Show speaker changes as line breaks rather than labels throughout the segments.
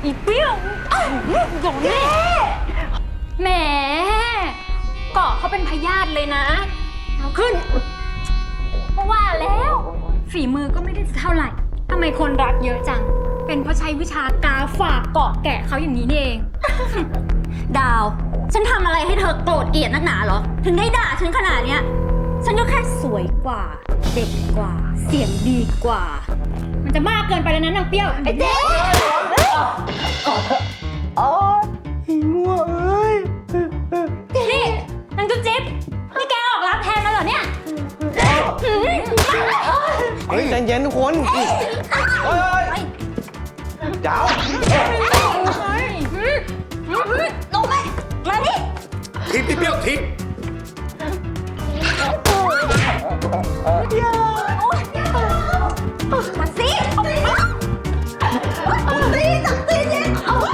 อีเปรี้ยวโดนแน่แหมเกาะเขาเป็นพยาธิเลยนะเอาขึ้นเพราะว่าแล้วฝีมือก็ไม่ได้เท่าไหร่ทำไมคนรักเยอะจังเป็นเพราะใช้วิชากาฝากเกาะแกะเขาอย่างนี้นี่เอง
ดาวฉันทำอะไรให้เธอโกรธเกลียดนักหนาเหรอถึงได้ด่าฉันขนาดเนี้ยฉันก็แค่สวยกว่าเด็กกว่าเสียงดีกว่า
มันจะมากเกินไปแล้วนะนางเปรี้ยวไอ้เจ๊
อ๋อมั่วเอ้ย
นี่นางจุ๊บจิ๊บนี่แกออกรับแทนแล้วเหรอเนี่ย
เฮ้ยใจเย็นทุกคนเฮ้ยดาว
ลงไปมาดิ
ทิปพี่เปรี้ยวทิป
มาสิจับตีเนี่ย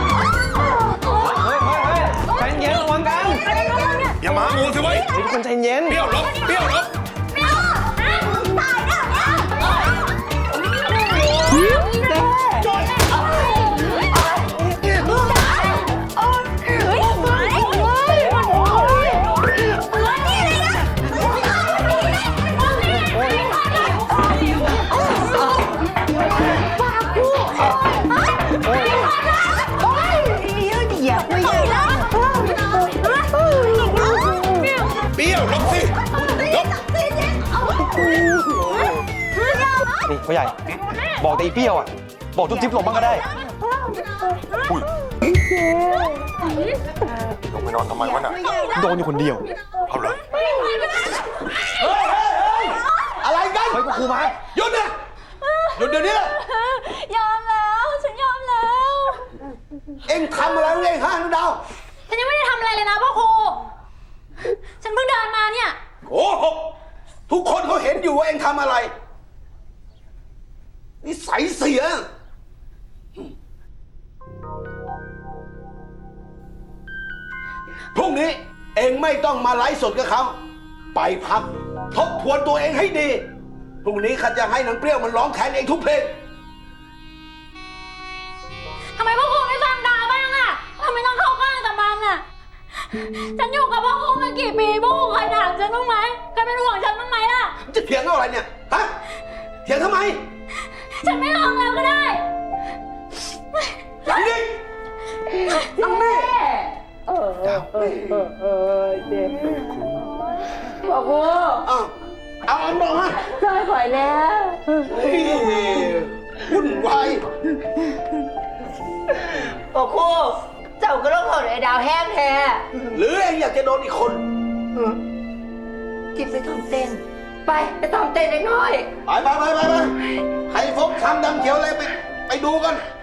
ใจเย็นระวังกัน
อย่ามางูสิเว้ย
ทุกคนใจเย็น
เปรี้ยวลบเปรี้ยวลบ
ตายแล้ว
เปรี้ยวลบสิลบ
นี่พ่อใหญ่บอกแต่อีเปรี้ยวอ่ะบอกจุ๊บจิ๊บหลบบ้างก็ได้
ลงไปนอนทำไมวะน่ะ
โดนอยู่คนเดียว
เอาเลย
อะไรกันเฮ้ยครูมา
หยุดนะหยุดเดี๋ยวนี้
ยอมแล้วฉันยอมแล้ว
เอ็งทำอะไรเองฮะน้องดาว
ฉันยังไม่ได้ทำอะไรเลยนะพ่อครูฉันเพิ่งเดินมาเนี่ย
โอ้โหทุกคนเขาเห็นอยู่ว่าเอ็งทำอะไรนิสัยเสียพรุ่งนี้เอ็งไม่ต้องมาไลฟ์สดกับเขาไปพักทบทวนตัวเองให้ดีพรุ่งนี้ข้าจะให้นางเปรี้ยวมันร้องแทนเองทุกเพลง
ทำไมพ่อครูไม่ฟังดาวบ้างอะทำไมต้องเข้าข้างแต่มันอะฉันอยู่กับพ่อครูมากี่ปีพ่อครูเคยถามฉันบ้างไหมเคยเป็นห่วงฉันบ้างไหมล่ะ
จะเถียงอะไรเนี่ยฮะเถียงทำไม
ฉันไม่ร้องแล้วก็ได้
นี่น้องนี่
เด็ก
พ่อครู
เอาบอกมา
ช่วยข่อยแล้ว
วุ่นวาย
พ่อครูเจ้าก็ต้องโดนไอ้ดาวแห้งแท้
หรือเองอยากจะโดนอีกคน
จิบไปทำเต้นไปทำเต้นเล็กน้อย
ไปใครฟกช้ำดำเขียวอะไรไปดูกัน